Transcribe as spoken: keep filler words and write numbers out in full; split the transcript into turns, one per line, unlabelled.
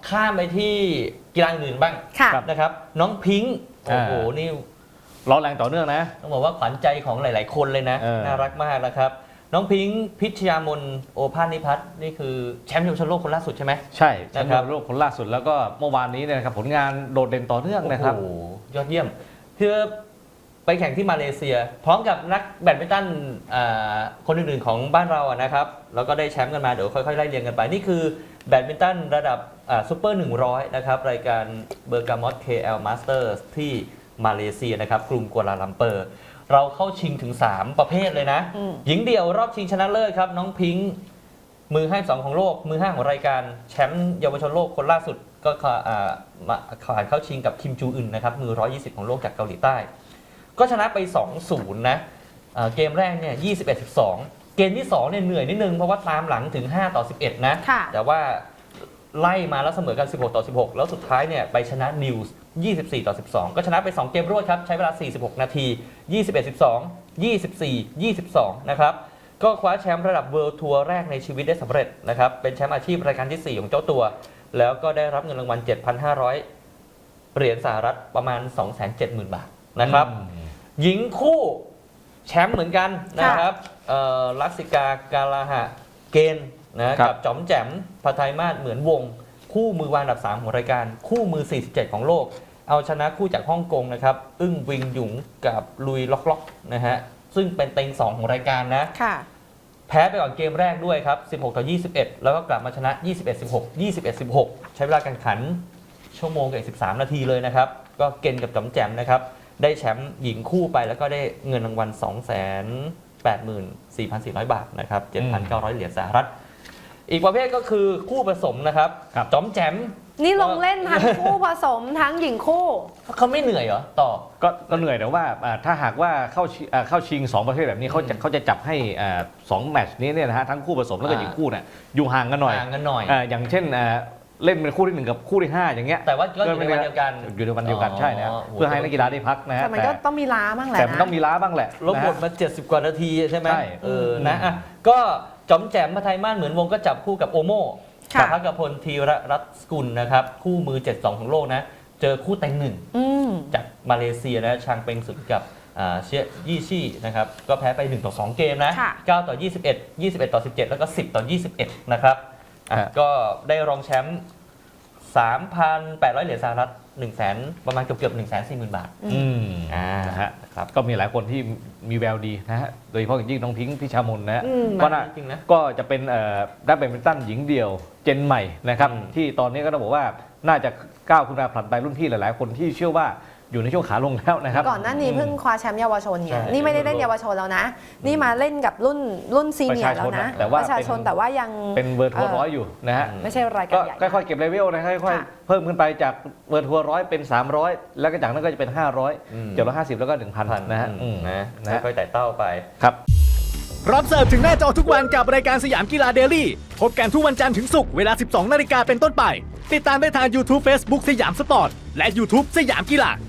ข้ามไปที่กีฬาอื่นบ้างนะครับน้องพิงค์โอ้โหนี่
ร้อนแรงต่อเนื่องนะ
ต้องบอกว่าขวัญใจของหลายๆคนเลยนะน่ารักมากนะครับน้องพิงค์พิชยามนโอภาสนิพัฒน์นี่คือแชมป์เยาวชนโลกคนล่าสุดใช่ไหม
ใช่แชมป์เยาวชนโลกคนล่าสุดแล้วก็เมื่อวานนี้เนี่ยนะครับผลงานโดดเด่นต่อเนื่องนะครับ
โอ้ยอดเยี่ยมคือไปแข่งที่มาเลเซียพร้อมกับนักแบดมินตันคนอื่นๆของบ้านเราอะนะครับแล้วก็ได้แชมป์กันมาเดี๋ยวค่อยๆไล่เรียงกันไปนี่คือแบดมินตันระดับซูเปอร์หนึ่งร้อยนะครับรายการเบอร์กามอต เค แอล Masters ที่มาเลเซียนะครับกรุงกัวลาลัมเปอร์เราเข้าชิงถึงสามประเภทเลยนะหญิงเดี่ยวรอบชิงชนะเลิศครับน้องพิงค์มือห้าสองของโลกมือห้าของรายการแชมป์เยาวชนโลกคนล่าสุดก็ผ่านเข้าชิงกับคิมจูอึนนะครับมือหนึ่งร้อยยี่สิบของโลกจากเกาหลีใต้ก็ชนะไป สองศูนย์ นะเกมแรกเนี่ยยี่สิบเอ็ดสิบสองเกมที่สองเนี่ยเหนื่อยนิดนึงเพราะว่าตามหลังถึงห้าต่อสิบเอ็ดนะแต่ว่าไล่มาแล้วเสมอกันสิบหกต่อสิบหกแล้วสุดท้ายเนี่ยไปชนะนิวส์ยี่สิบสี่ต่อสิบสองก็ชนะไปสองเกมรวดครับใช้เวลาสี่สิบหกนาทียี่สิบเอ็ด สิบสอง ยี่สิบสี่ ยี่สิบสองนะครับก็คว้าแชมป์ระดับเวิลด์ทัวร์แรกในชีวิตได้สำเร็จนะครับเป็นแชมป์อาชีพรายการที่สี่ของเจ้าตัวแล้วก็ได้รับเงินรางวัล เจ็ดพันห้าร้อย เหรียญสหรัฐประมาณ สองแสนเจ็ดหมื่น บาทนะครับหญิงคู่แชมป์เหมือนกันนะครับลักษิกากาลาหะเกณฑ์นะกับจอมแจ่มพัทยมาศเหมือนวงคู่มือวางอันดับสามของรายการคู่มือสี่สิบเจ็ดของโลกเอาชนะคู่จากฮ่องกงนะครับอึ้งวิงหยุงกับลุยล็อกล็อกนะฮะซึ่งเป็นเต็งสองของรายการนะแพ้ไปก่อนเกมแรกด้วยครับสิบหกต่อยี่สิบเอ็ดแล้วก็กลับมาชนะยี่สิบเอ็ด สิบหก ยี่สิบเอ็ด สิบหกใช้เวลาการขันชั่วโมงกับสิบสามนาทีเลยนะครับก็เกณฑ์กับจอมแจ่มนะครับได้แชมป์หญิงคู่ไปแล้วก็ได้เงินรางวัล สองแสนแปดหมื่นสี่พันสี่ร้อย บาทนะครับ เจ็ดพันเก้าร้อย เหรียญสหรัฐอีกประเภทก็คือคู่ผสมนะครับจอมแจ่ม
นี่ลงเล่นทั้งคู่ผสมทั้งหญิงคู่
เขาไม่เหนื่อยเหรอต่อ
ก็ก็เหนื่อยแต่ว่าถ้าหากว่าเข้าเข้าชิงสองประเภทแบบนี้เขาจะเขาจะจับให้สองแมตช์นี้เนี่ยนะฮะทั้งคู่ผสมแล้วก็หญิงคู่เนี่ยอยู่ห่างกันหน่อย
ห่างกันหน่อย
อย่างเช่นเล่นเป็นคู่ที่หนึ่งกับคู่ที่ห้าอย่างเงี้ย
แต่ว่าก็อยู่ในวันเดียวกัน
อยู่ในวันเดียวกันใช่นะเพื่อให้นักกีฬาได้พักนะฮะ
แต่มันก็ต้องมีล้าบ้างแหละ
แต่มันต้องมีล้าบ้างแหละ
ลบบทมาเจ็ดสิบกว่านาทีใช่ไหมเออนะก็จอมแจ่มพัทยมาศเหมือนวงก็จับคู่กับโอโม่กับพักกพลธีรรัตน์สกุลนะครับคู่มือเจ็ดสองของโลกนะเจอคู่แต่งหนึ่งจากมาเลเซียนะชางเป็งสุดกับเชียยี่ชี่นะครับก็แพ้ไปหนึ่งต่อสองเกมนะเก้าต่อยี่สิบเอ็ด ยี่สิบเอ็ดต่อสิบเจ็ดแล้วก็สิบต่อยี่สิบเอ็ดนะครับก็ได้รองแชมป์ สามพันแปดร้อย เหรียญสหรัฐหนึ่งแสนประมาณเกือบๆ หนึ่งแสนสี่หมื่น บาท
อืมอ่านะฮะครับก็มีหลายคนที่มีแววดีนะฮะโดยเฉพาะอย่างยิ่งน้องพิงค์พิชามนนะฮะก็น่าจริงนะก็จะเป็นนักแบดมินตันหญิงเดี่ยวเจนใหม่นะครับที่ตอนนี้ก็ต้องบอกว่าน่าจะก้าวขึ้นมาผลัดไปรุ่นพี่หลายๆคนที่เชื่อว่าอยู่ในช่วงขาลงแล้วนะครับ
ก่อนหน้านี้เพิ่งคว้าแชมป์เยาวชนเนี่ยนี่ไม่ได้เล่นเยาวชนแล้วนะนี่มาเล่นกับรุ่นรุ่นซีเนียร์แล้วนะประชาชนแต่ว่ายัง
เป็นเวอร์ทัวร์ร้อยอยู่นะฮะ
ไม่ใช่รายการใหญ่
ก็ค่อยๆเก็บเลเวลนะค่อยๆเพิ่มขึ้นไปจากเวอร์ทัวร์ร้อยเป็นสามร้อยแล้วก็จากนั้นก็จะเป็นห้าร้อย เจ็ดร้อยห้าสิบแล้วก็ หนึ่งพัน นะฮะ
นะค่อยๆไต่เต้าไป
ครับ
รับเสิร์ฟถึงหน้าจอทุกวันกับรายการสยามกีฬาเดลี่พบกันทุกวันจันทร์ถึงศุกร์เวลา สิบสองนาฬิกาเป็นต้นไปติดตามได้ทาง YouTube Facebook สยามสปอร์ตและ YouTube สยามกีฬา